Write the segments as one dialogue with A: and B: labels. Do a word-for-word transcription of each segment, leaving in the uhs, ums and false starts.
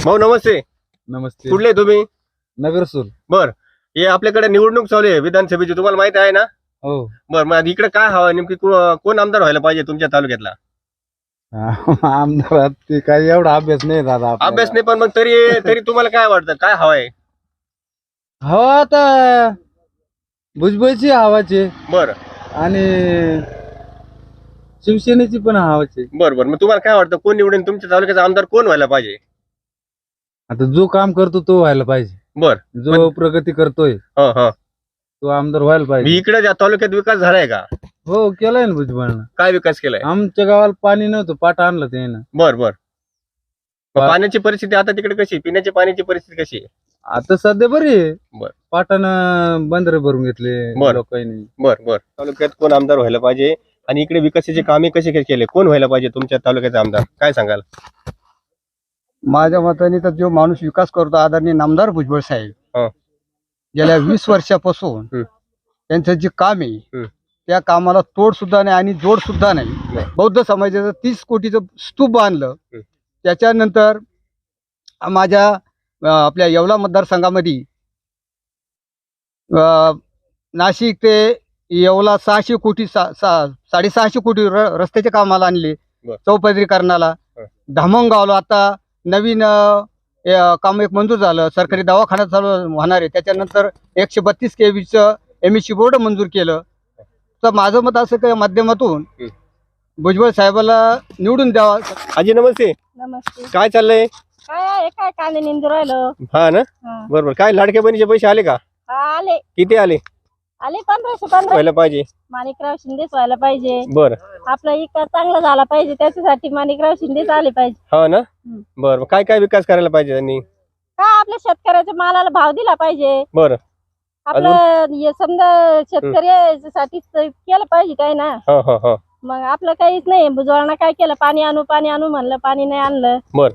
A: भाऊ नमस्ते.
B: नमस्ते.
A: कुठले तुम्ही?
B: नगरसूल.
A: बर, हे आपल्याकडे निवडणूक चालू आहे विधानसभेची, तुम्हाला माहिती आहे ना?
B: हो.
A: बर, मग इकडे काय हवं नेमकी, कोण आमदार व्हायला पाहिजे तुमच्या तालुक्यातला?
B: आमदारात ते काही एवढा अभ्यास नाही दादा.
A: अभ्यास नाही, पण मग तरी तरी तुम्हाला काय वाटतं, काय हवंय?
B: हवा आता भुजबळची हवाची
A: बर,
B: आणि शिवसेनेची पण हवाची.
A: बर बर मग तुम्हाला काय वाटतं, कोण निवडून तुमच्या तालुक्याचा आमदार कोण व्हायला पाहिजे?
B: आता जो काम करतो तो व्हायला पाहिजे.
A: बर,
B: जो प्रगती करतोय
A: हा हा
B: तो आमदार व्हायला पाहिजे.
A: इकडे ज्या तालुक्यात विकास झालाय का?
B: हो, केलाय ना भुजबळनं.
A: काय विकास केलाय?
B: आमच्या गावाला पाणी नव्हतं, पाट आणलं ते ना.
A: बर बर मग पाण्याची परिस्थिती आता तिकडे कशी, पिण्याची पाण्याची परिस्थिती कशी आहे?
B: आता सध्या बरी आहे.
A: बर,
B: पाटानं बंदरे भरून घेतले
A: बर.
B: लोकांनी.
A: बर बर तालुक्यात कोण आमदार व्हायला पाहिजे आणि इकडे विकासाचे कामे कसे केले, कोण व्हायला पाहिजे तुमच्या तालुक्याचा आमदार, काय सांगाल?
C: माझ्या मताने तर जो माणूस विकास करतो आदरणीय नामदार भुजबळ साहेब,
A: हा.
C: गेल्या वीस वर्षापासून
A: हम्म.
C: त्यांचं जे काम आहे
A: हम्म.
C: त्या कामाला तोड सुद्धा नाही आणि जोड सुद्धा नाही.
A: नाही.
C: बौद्ध समाजाचं तीस कोटीचं स्तूप बांधलं.
A: हम्म.
C: त्याच्यानंतर माझ्या अं, आपल्या येवला मतदारसंघामध्ये अं, नाशिक ते येवला सहाशे कोटी सा, सा, साडेसहाशे कोटी र, रस्त्याच्या कामाला आणले.
A: बर.
C: चौपदरीकरणाला
A: हा.
C: धामणगावला आता नवीन अं, अं, काम एक मंजूर झालं, सरकारी दवाखाना चालू होणार आहे. त्याच्यानंतर एकशे बत्तीस केवीचं एम एस सी बोर्ड मंजूर केलं. तर माझं मत असं काही माध्यमातून
A: हम्म.
C: भुजबळ साहेबाला निवडून द्यावा.
A: आजी नमस्ते.
D: नमस्ते.
A: काय चाललंय?
D: काय आहे, काय कांदे निंदू राहिलो.
A: हा ना,
D: हा.
A: बरोबर. काय लाडक्या बहिणीचे पैसे आले का?
D: हा, आले
A: किती आले?
D: आले पंधराशे पंधरा.
A: व्हायला पाहिजे.
D: माणिकराव शिंदेच व्हायला पाहिजे.
A: बर,
D: आपला इकडं चांगला झाला पाहिजे, त्याच्यासाठी माणिकराव शिंदेच आले पाहिजे.
A: हा ना,
D: हम्म.
A: बर. काय काय विकास करायला पाहिजे त्यांनी?
D: काय आपल्या शेतकऱ्याच्या मालाला भाव दिला पाहिजे.
A: बर,
D: आपलं हे समजा शेतकऱ्यासाठी केलं पाहिजे काय ना.
A: हा हा हा
D: मग आपलं काहीच नाही. भुजबळांना काय केलं, पाणी आणू पाणी आणू म्हणलं, पाणी नाही आणलं.
A: बर.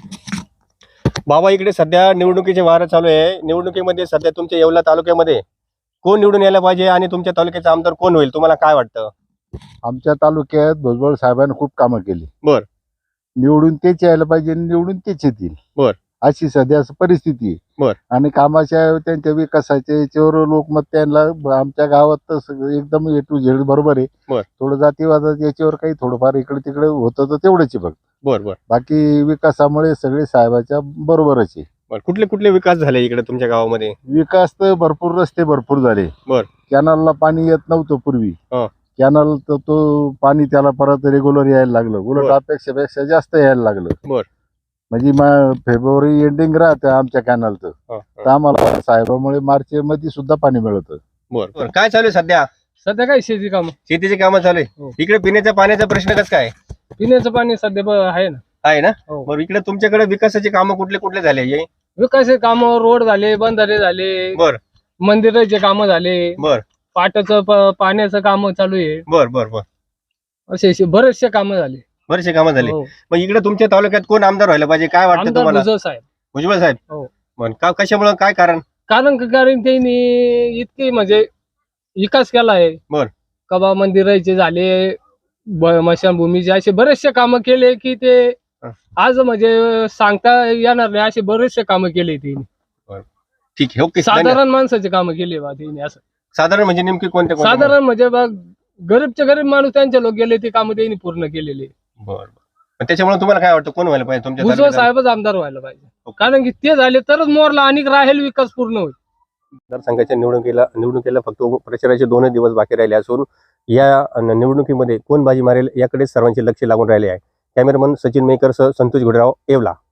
A: बाबा, इकडे सध्या निवडणुकीचे वारं चालू आहे. निवडणुकीमध्ये सध्या तुमच्या येवला तालुक्यामध्ये कोण निवडून यायला पाहिजे आणि तुमच्या तालुक्याचा आमदार कोण होईल, तुम्हाला काय वाटतं?
E: आमच्या तालुक्यात भुजबळ साहेबांनी खूप कामं केली.
A: बर.
E: निवडून तेच यायला पाहिजे आणि निवडून तेच येतील.
A: बर.
E: अशी सध्या परिस्थिती आहे.
A: बर.
E: आणि कामाच्या त्यांच्या विकासाच्या याच्यावर लोकमत त्यांना आमच्या गावात तर सगळं एकदम ए टू झेड बरोबर आहे.
A: बर.
E: थोडं जातीवादात याच्यावर काही थोडंफार इकडे तिकडे होतं तर तेवढंच आहे फक्त.
A: बर बर
E: बाकी विकासामुळे सगळे साहेबाच्या बरोबरच आहे.
A: बर कुठले कुठले विकास झाले इकडे तुमच्या गावामध्ये?
E: विकास तर भरपूर, रस्ते भरपूर झाले.
A: बर.
E: कॅनलला पाणी येत नव्हतं पूर्वी.
A: हा.
E: कॅनल तर तो पाणी त्याला परत रेग्युलर यायला लागलं, उलट
A: बर.
E: अपेक्षापेक्षा जास्त यायला लागलं.
A: बर.
E: म्हणजे मा- फेब्रुवारी एंडिंग राहतं आमच्या कॅनलचं,
A: हा,
E: तर
A: हा.
E: आम्हाला साहेबामुळे मार्च मध्ये सुद्धा पाणी मिळतं.
A: बर बर काय चालू आहे सध्या?
F: सध्या काय शेती काम,
A: शेतीचे कामं चालू आहे.
F: हो.
A: इकडे पिण्याच्या पाण्याचा प्रश्न कसं काय
F: पिण्याचं पाणी सध्या ब- आहे ना.
A: आहे ना?
F: हो.
A: बरं, इकडे तुमच्याकडे विकासाचे कामं कुठले कुठले झाले? हे?
F: विकास काम, रोड झाले, बंधारे झाले,
A: बर
F: मंदिराचे काम झाले,
A: बर
F: पाटाचं प- पाण्याचं काम चालू आहे.
A: बर बर बर
F: असे असे बरेचसे काम झाले.
A: बरेचसे कामं झाले.
F: हो.
A: मग इकडे तुमच्या तालुक्यात कोण आमदार व्हायला पाहिजे, काय वाटतं
F: आमदार
A: तुम्हाला?
F: भुजबळ साहेब.
A: भुजबळ साहेब.
F: हो.
A: पण का, कशामुळे, काय कारण?
F: कारण कारण त्यांनी इतके म्हणजे विकास केला आहे.
A: बर.
F: कबा मंदिराचे झाले, ब- स्मशानभूमीचे, असे बरेचसे काम केले की ते
A: हा.
F: आज म्हणजे सांगता येणार नाही, असे बरेचसे काम केले त्यांनी.
A: ठीक आहे, ओके. धन्यवाद.
F: साधारण माणसाचे काम केले बा त्यांनी. असं
A: साधारण म्हणजे नेमकी कोणते कोणते?
F: साधारण म्हणजे बघ, गरीबचे गरीब माणूस त्यांचे लोक गेले ते काम त्यांनी पूर्ण केलेले.
A: बर बर पण त्याच्यामुळे तुम्हाला काय वाटतं, कोण व्हायला पाहिजे तुमच्या
F: भुजबळ
A: तालुक्यात?
F: साहेबच आमदार व्हायला पाहिजे.
A: ओके.
F: कारण की ते झाले तरच मोरला आणि राहील विकास पूर्ण होईल.
A: मतदारसंघाच्या निवडणुकीला निवडणुकीला फक्त प्रचाराचे दोनच दिवस बाकी राहिले असून या निवडणुकीमध्ये कोण बाजी मारेल याकडे सर्वांचे लक्ष लागून राहिले आहे. कॅमेरामन सचिन मेकर सह संतोष घोडेराव, येवला.